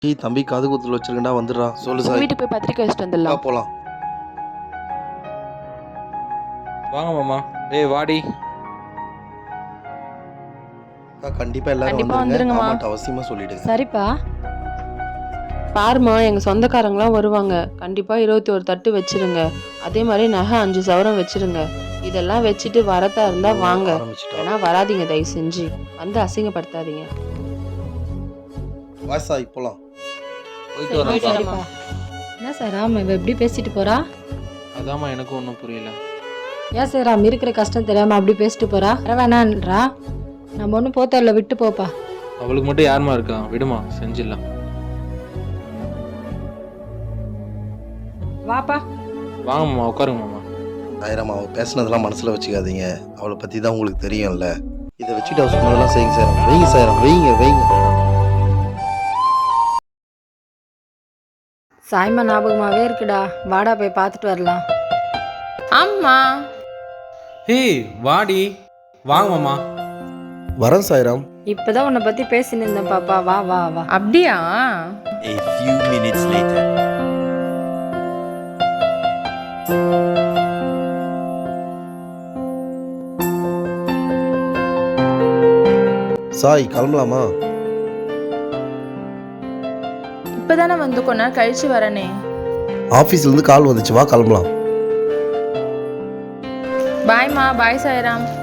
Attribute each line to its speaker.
Speaker 1: ஏய் தம்பி காது குத்துல வச்சிருக்கேன்டா வந்துடுறா சொல்லு
Speaker 2: உங்க
Speaker 1: சாய்.
Speaker 2: வீட்டுக்கு போய் பத்திரிக்கை வச்சுட்டு
Speaker 1: வா
Speaker 2: வந்துடலாம்.
Speaker 1: போலாம்.
Speaker 3: வாங்க மாமா. ஏய் வாடி.
Speaker 1: கண்டிப்பா எல்லாரும்
Speaker 2: கண்டிப்பா
Speaker 1: வந்துருங்க.
Speaker 2: வந்துருங்கம்மா.
Speaker 1: மாமாட்ட அவசியமா சொல்லிடுங்க.
Speaker 4: சரிப்பா.
Speaker 2: பாருமா, எங்க சொந்தக்காரங்களாம் வருவாங்க. கண்டிப்பா 21 தட்டு வச்சிருங்க. அதே மாதிரி நகை 5 சவரம் வச்சிருங்க. இதெல்லாம் வச்சுட்டு வரதா இருந்தா வாங்க.
Speaker 1: ஆரம்பிச்சிட்டா.
Speaker 2: ஏன்னா வராதீங்க, தயவு செஞ்சு வந்து அசிங்கப்படுத்தாதீங்க.
Speaker 1: வா சாய் போலாம்.
Speaker 3: போயிட்டு
Speaker 2: சரி,
Speaker 3: வரேன்.
Speaker 2: போயிட்டு
Speaker 4: சரிப்பா. என்ன சார் ராம் இவ எப்படி பேசிட்டு போறா?
Speaker 3: அதாம்மா எனக்கும் ஒன்றும் புரியல.
Speaker 4: ஏன் சார் ராம் இருக்கிற கஷ்டம் தெரியாம அப்படி பேசிட்டு போறா? வர வேணான்றா. நம்ம ஒன்றும் போத்தரில் விட்டு போப்பா.
Speaker 3: அவளுக்கு மட்டும் யாருமா இருக்கா? விடுமா, செஞ்சிடலாம்.
Speaker 4: வாப்பா.
Speaker 3: வாங்க மாமா, உட்காருங்க மாமா.
Speaker 1: ஆயிரம் அவ பேசுனதெல்லாம் மனசுல வச்சுக்காதீங்க. அவளை பத்தி தான் உங்களுக்கு தெரியும்ல. இதை வச்சுட்டு அவ சொன்னதெல்லாம் செய்யுங்க சார். வைங்க சார், வைங்க.
Speaker 4: சாய்மா ஞாபகமாவே இருக்குடா. வாடா போய் பார்த்துட்டு வரலாம்.
Speaker 2: ஆமா,
Speaker 3: ஏய் வாடி. வாங்க மாமா.
Speaker 1: வரேன் சாய்ராம்.
Speaker 4: இப்பதான் உன்னை பத்தி பேசின்னு இருந்தேன் பாப்பா. வா வா வா.
Speaker 2: அப்படியா?
Speaker 5: A few minutes later.
Speaker 1: Sai கிளம்பலாமா?
Speaker 2: இப்பதானே வந்து கொஞ்ச நேரம் கழிச்சு வரனே.
Speaker 1: ஆபீஸ்ல இருந்து கால் வந்துச்சு, வா கிளம்பலாம்.
Speaker 2: பாய்மா, பாய் சாய்ராம்.